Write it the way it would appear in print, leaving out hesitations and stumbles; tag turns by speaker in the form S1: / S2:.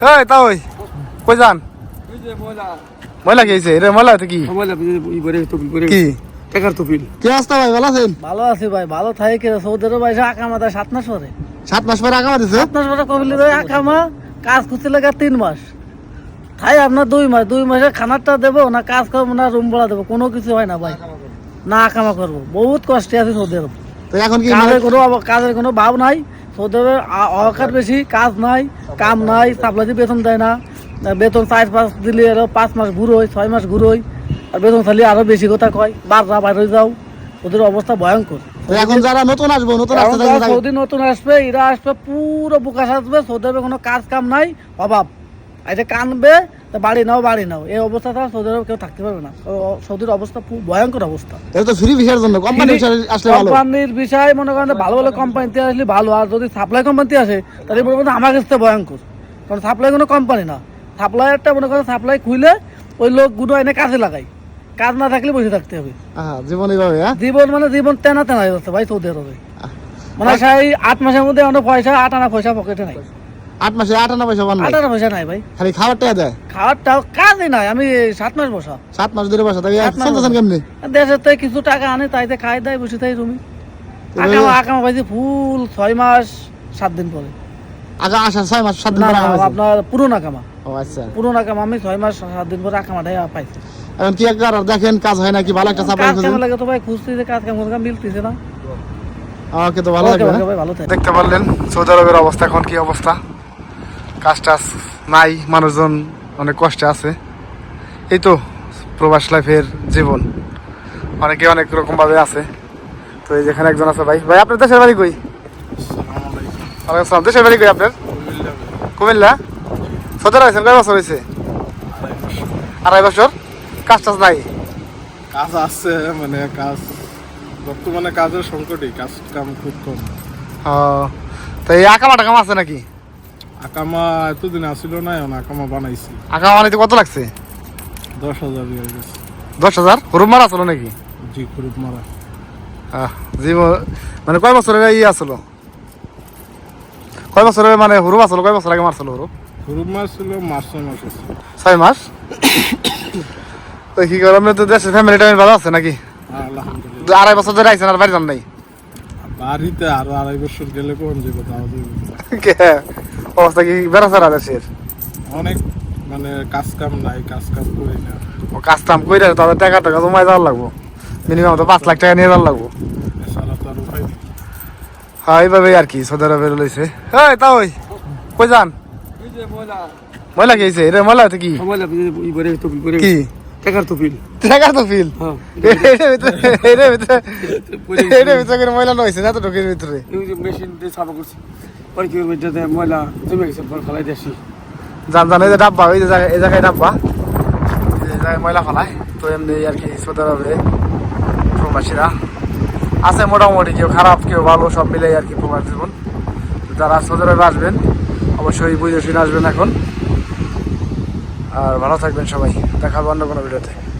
S1: এই তা ওই কই যান ময়লা খেয়েছে রে ময়লা তো কি কি
S2: টাকার তফিল
S1: কি অবস্থা ভাই ভালো আছেন?
S3: ভালো আছি ভাই, ভালো থাই কে সৌদি আরব আইসা আকামা দেয় 7 মাস পরে।
S1: 7 মাস পরে আকামা দিছে?
S3: 7 মাস পরে কবিলি দেয় আকামা, কাজ করতে লাগে 3 মাস। তাই আপনার 2 মাস, 2 মাসে খানারটা দেবো না, কাজ করবো না, রুম ভাড়া দেবো, কোনো কিছু হয় না ভাই। না আকামা করবো, বহুত কষ্টে আছে সৌদি আরব।
S1: তো এখন কি
S3: কাজের কোনো ভাব নাই সৌদি আরবে, অকার বেশি, কাজ নাই, কাম নাই, সাপ্লাই বেতন দেয় না। বেতন 4-5 দিলে আরো 5 মাস ঘুরোয়, 6 মাস ঘুরোয়, আর বেতন খালি আরো বেশি কথা কয়, বাররা বাইরে যাও, ওদের অবস্থা ভয়ঙ্কর।
S1: তো এখন যারা নতুন আসবো নতুন
S3: সৌদি নতুন আসবে, এরা আসবে পুরো বুকা সাজবে, সৌদি আরবে কোনো কাজ কাম নাই, অভাব। এটা কানবে বাড়ি নাও বাড়ি নাও, এই অবস্থা ছাড়া সৌদি আরবে কেউ থাকতে পারবে না। সৌদির অবস্থা ভয়ঙ্কর অবস্থা।
S1: এটা তো ফ্রি ভিসার জন্য, কোম্পানি আসলে ভালো।
S3: কোম্পানির বিষয় মনে করেন ভালো ভালো কোম্পানিতে আসলে ভালো, আর যদি সাপ্লাই কোম্পানিতে আসে তাহলে মনে করেন আমার কাছে ভয়ঙ্কর। কারণ সাপ্লাই কোনো কোম্পানি না, সাপ্লাইয়ারটা মনে করেন সাপ্লাই খুলে ওই লোকগুলো এনে কাজে লাগাই, কাজ না থাকলে বসে থাকতে হবে।
S1: জীবন এইভাবে,
S3: জীবন মানে জীবন তেনা তেনা হয়ে যাচ্ছে ভাই সৌদি আরবে। মানে সেই 8 মাসের মধ্যে অনেক পয়সা, 8 আনা পয়সা পকেটে নাই।
S1: 8 মাসে 8 আনা পয়সা পান না?
S3: 8 আনা পয়সা নাই ভাই,
S1: খালি খাবারটা দেয়।
S3: খাওয়ারটাও কাজই নাই। আমি 7 মাস বসা,
S1: 7 মাস ধরে বসা, তাই চলতেছেন কেমনি?
S3: দেশের থেকে কিছু টাকা আনে, তাইতে খাই দেয়, বসে থাই রুমি। আকামা পাইছি ফুল 6 মাস 7 দিন পরে।
S1: আগা আসা 6 মাস 7 দিন পরে
S3: আপনার পুরোনো আকামা।
S1: ও আচ্ছা,
S3: পুরোনো আকামা আমি 6 মাস 7 দিন পরে আকামাটাই পাইছি।
S1: এখন কি একবার দেখেন কাজ হয় নাকি, ভালো একটা সাপ্লাই
S3: কাজ কেমন লাগে তো ভাই, খুঁজতেছে কাজ কেমন মিলতেছে না।
S1: ওকে, তো ভালো লাগবে। দেখতে পারলেন সৌদি আরবের অবস্থা এখন কি অবস্থা, কাজ টাজ নাই, মানুষজন অনেক কষ্টে আছে। এই তো প্রবাস লাইফের জীবন, অনেকে অনেক রকম ভাবে আছে। তো এই যেখানে একজন আছে ভাই, ভাই আপনার দেশের বাড়ি কই? ওয়ালাইকুম আসসালাম। দেশের বাড়ি কই আপনার? কুমিল্লা। সৌদি আরব আছেন কয় বছর হয়েছে? 2.5 বছর। কাজ টাজ নাই?
S2: কাজ আছে, মানে কাজ বর্তমানে কাজের সংকটই, কাজ কাম খুব কম।
S1: তো এই আকামা টাকামা আছে নাকি?
S2: আকামা এতদিন আসিল না, এখন আকামা বানাইছি।
S1: আকামা বানাইতে কত লাগছে?
S2: 10,000 হয়ে গেছে।
S1: 10,000? হুরুম মারা আসলো নাকি?
S2: জি, খুব মারা।
S1: জীবন মানে কয় বছরের ইয়ে আসলো, কয় বছরের মানে হুরুম আসলো, কয় বছর আগে মারছিল হুরুম?
S2: খুব মাস ছিল, মাস 6 মাস আছে।
S1: 6 মাস। তো কি করে আপনি তো দেশের ফ্যামিলি টাইম ভালো আছে নাকি?
S2: আলহামদুলিল্লাহ।
S1: 2.5 বছর ধরে আইছেন আর বাড়ি যান নাই?
S2: বাড়িতে আরো 2.5 বছর গেলে কোন যাবে, তাও
S1: অবস্থা কি বেড়াচারা দেশের?
S2: অনেক মানে কাজ কাম নাই, কাজ কাম করি না।
S1: ও কাজ কাম করে তাদের টাকা টাকা জমায় যাওয়ার লাগবো, মিনিমাম তো 5 লাখ টাকা নিয়ে যাওয়ার লাগবো।
S2: এছাড়া তো আর উপায় নেই।
S1: হ্যাঁ এইভাবেই আর কি সৌদি আরবে লইছে। হ্যাঁ তা ওই কই যান ময়লা খেয়েছে রে ময়লা তো কি কি
S3: টাকার তফিল
S1: টাকার তো ফিল ভিতরে ময়লা নইছে না তো ঢোকের ভিতরে
S3: মেশিন দিয়ে সাফা করছি, পরে কি করবে যাতে ময়লা জমে গেছে, পরে ফেলাই দিয়েছি।
S1: জান জান, এই যে ডাব্বা, ওই যে এই জায়গায় ডাব্বা, এই জায়গায় ময়লা ফেলায়। তো এমনি আর কি সৌদি আরবে প্রবাসীরা আছে মোটামুটি, কেউ খারাপ কেউ ভালো, সব মিলে আর কি প্রবাস জীবন। যারা সৌদি আরবে আসবেন অবশ্যই বুঝে শুনে আসবেন এখন, আর ভালো থাকবেন সবাই। দেখা হবে অন্য কোনো ভিডিওতে।